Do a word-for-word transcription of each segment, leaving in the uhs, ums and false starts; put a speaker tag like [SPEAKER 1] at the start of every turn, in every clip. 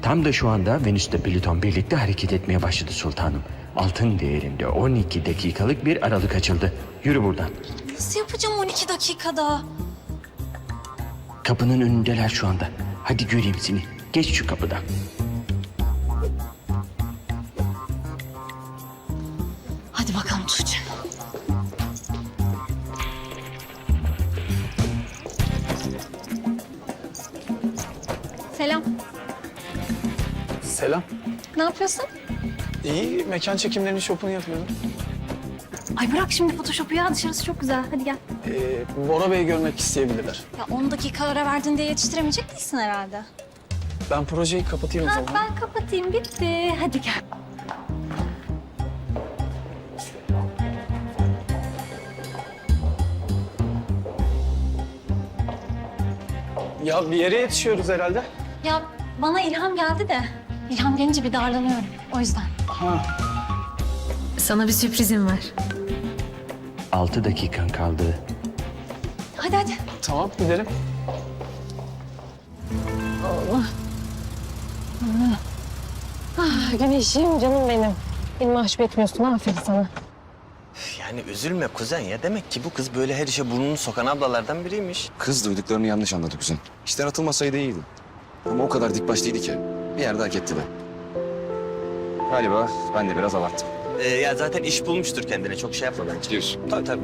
[SPEAKER 1] Tam da şu anda Venüs'te Plüton birlikte hareket etmeye başladı sultanım. Altın değerinde on iki dakikalık bir aralık açıldı. Yürü buradan.
[SPEAKER 2] Nasıl yapacağım on iki dakikada?
[SPEAKER 1] Kapının önündeler şu anda. Hadi göreyim seni. Geç şu kapıdan.
[SPEAKER 2] Hadi bakalım Tuğçe. Selam.
[SPEAKER 3] Selam.
[SPEAKER 2] Ne yapıyorsun?
[SPEAKER 3] İyi, mekan çekimlerinin şopunu yapıyorum.
[SPEAKER 2] Ay bırak şimdi Photoshop'u ya, dışarısı çok güzel. Hadi gel.
[SPEAKER 3] Ee, Bora Bey'i görmek isteyebilirler.
[SPEAKER 2] Ya on dakika ara verdin diye yetiştiremeyecek değilsin herhalde.
[SPEAKER 3] Ben projeyi kapatayım o
[SPEAKER 2] Ha,
[SPEAKER 3] zaman.
[SPEAKER 2] ben kapatayım, bitti. Hadi gel.
[SPEAKER 3] Ya bir yere yetişiyoruz herhalde.
[SPEAKER 2] Ya bana ilham geldi de. İlham gelince bir darlanıyorum. O yüzden.
[SPEAKER 3] Ha.
[SPEAKER 4] Sana bir sürprizim var.
[SPEAKER 1] Altı dakikan kaldı.
[SPEAKER 2] Hadi hadi.
[SPEAKER 3] Tamam, gidelim.
[SPEAKER 4] Güneşim, canım benim. Beni mahcup etmiyorsun, aferin sana.
[SPEAKER 5] Yani üzülme kuzen ya. Demek ki bu kız böyle her işe burnunu sokan ablalardan biriymiş.
[SPEAKER 6] Kız duyduklarını yanlış anladı kuzen. İşten atılmasaydı iyiydi. Ama o kadar dik başlıydı ki bir yerde hak etti de. Galiba ben de biraz abarttım.
[SPEAKER 5] Ee, ya zaten iş bulmuştur kendine. Çok şey yapma bence.
[SPEAKER 6] Diyorsun.
[SPEAKER 5] Tabii tabii.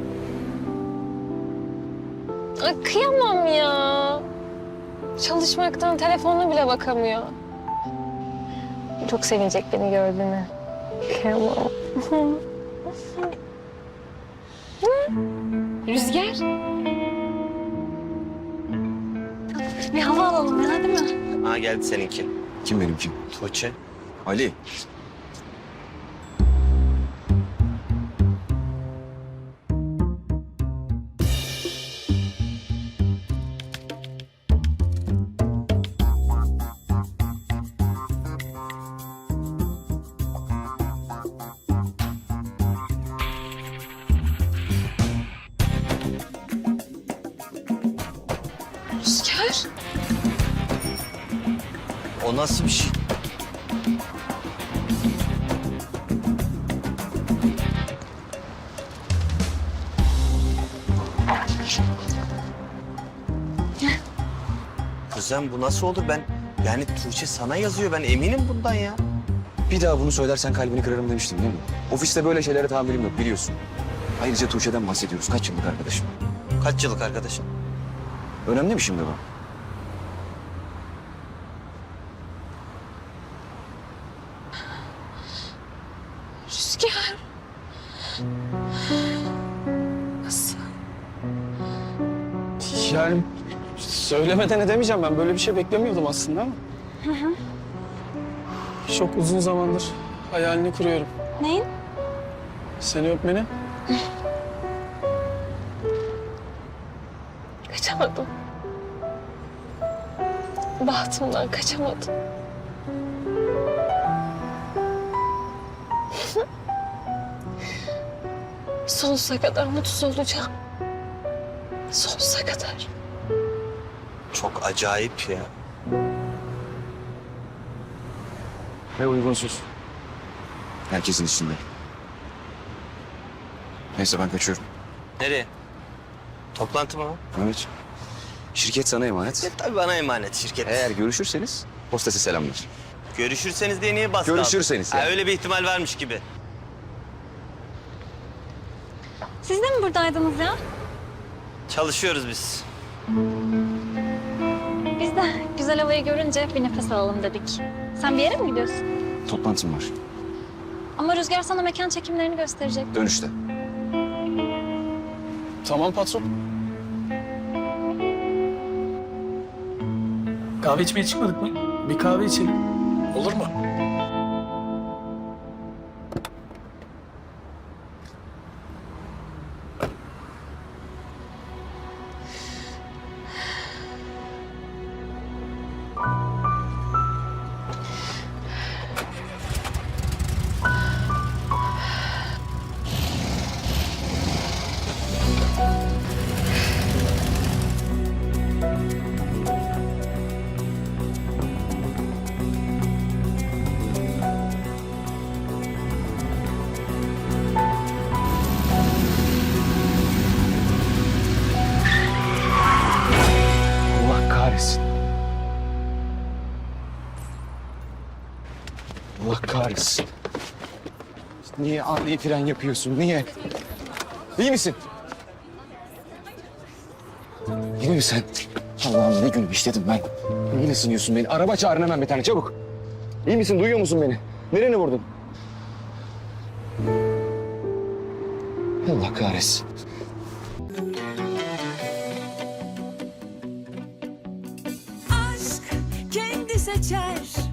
[SPEAKER 4] Ay, kıyamam ya. Çalışmaktan telefonuna bile bakamıyor. Çok sevinecek beni gördüğüne. Kıyamam. Rüzgar.
[SPEAKER 2] Bir hava alalım ya, değil mi?
[SPEAKER 5] Ha geldi seninki.
[SPEAKER 6] Kim benimki?
[SPEAKER 5] Tuğçe.
[SPEAKER 6] Ali.
[SPEAKER 4] Rüzgar.
[SPEAKER 5] O nasıl bir şey? Kuzen bu nasıl olur? Ben yani Tuğçe sana yazıyor. Ben eminim bundan ya.
[SPEAKER 6] Bir daha bunu söylersen kalbini kırarım demiştim değil mi? Ofiste böyle şeylere tahammülüm yok biliyorsun. Ayrıca Tuğçe'den bahsediyoruz. Kaç yıllık arkadaşım.
[SPEAKER 5] Kaç yıllık arkadaşın?
[SPEAKER 6] Önemli mi şimdi bu?
[SPEAKER 4] Rüzgar. Nasıl?
[SPEAKER 3] Yani söylemeden edemeyeceğim. Ben böyle bir şey beklemiyordum aslında ama. Çok uzun zamandır hayalini kuruyorum.
[SPEAKER 2] Neyin?
[SPEAKER 3] Seni öpmenin.
[SPEAKER 4] Kaçamadım. Bahtımdan kaçamadım. Sonsuza kadar mutsuz olacağım. Sonsuza kadar.
[SPEAKER 5] Çok acayip ya.
[SPEAKER 6] Ve uygunsuz. Herkesin içinde. Neyse ben kaçıyorum.
[SPEAKER 5] Nereye? Toplantı mı?
[SPEAKER 6] Evet. Şirket sana emanet.
[SPEAKER 5] E, tabii bana emanet şirket.
[SPEAKER 6] Eğer görüşürseniz hostese selamlar.
[SPEAKER 5] Görüşürseniz diye niye bastı?
[SPEAKER 6] Görüşürseniz
[SPEAKER 5] Ha,
[SPEAKER 6] ya.
[SPEAKER 5] öyle bir ihtimal varmış gibi.
[SPEAKER 2] Siz de mi buradaydınız ya?
[SPEAKER 5] Çalışıyoruz biz.
[SPEAKER 2] Biz de güzel havayı görünce bir nefes alalım dedik. Sen bir yere mi gidiyorsun?
[SPEAKER 6] Toplantım var.
[SPEAKER 2] Ama Rüzgar sana mekan çekimlerini gösterecek.
[SPEAKER 6] Dönüşte.
[SPEAKER 3] Tamam patron. Kahve içmeye çıkmadık mı? Bir kahve içelim. Olur mu?
[SPEAKER 6] kahretsin. Allah kahretsin. Niye ani fren yapıyorsun? Niye? İyi misin? Yine mi sen? Allah'ım ne günü işledim ben. Niye ısınıyorsun beni? Araba çağırın hemen bir tane çabuk. İyi misin? Duyuyor musun beni? Nereni vurdun? Allah kahretsin.
[SPEAKER 7] Aşk kendi seçer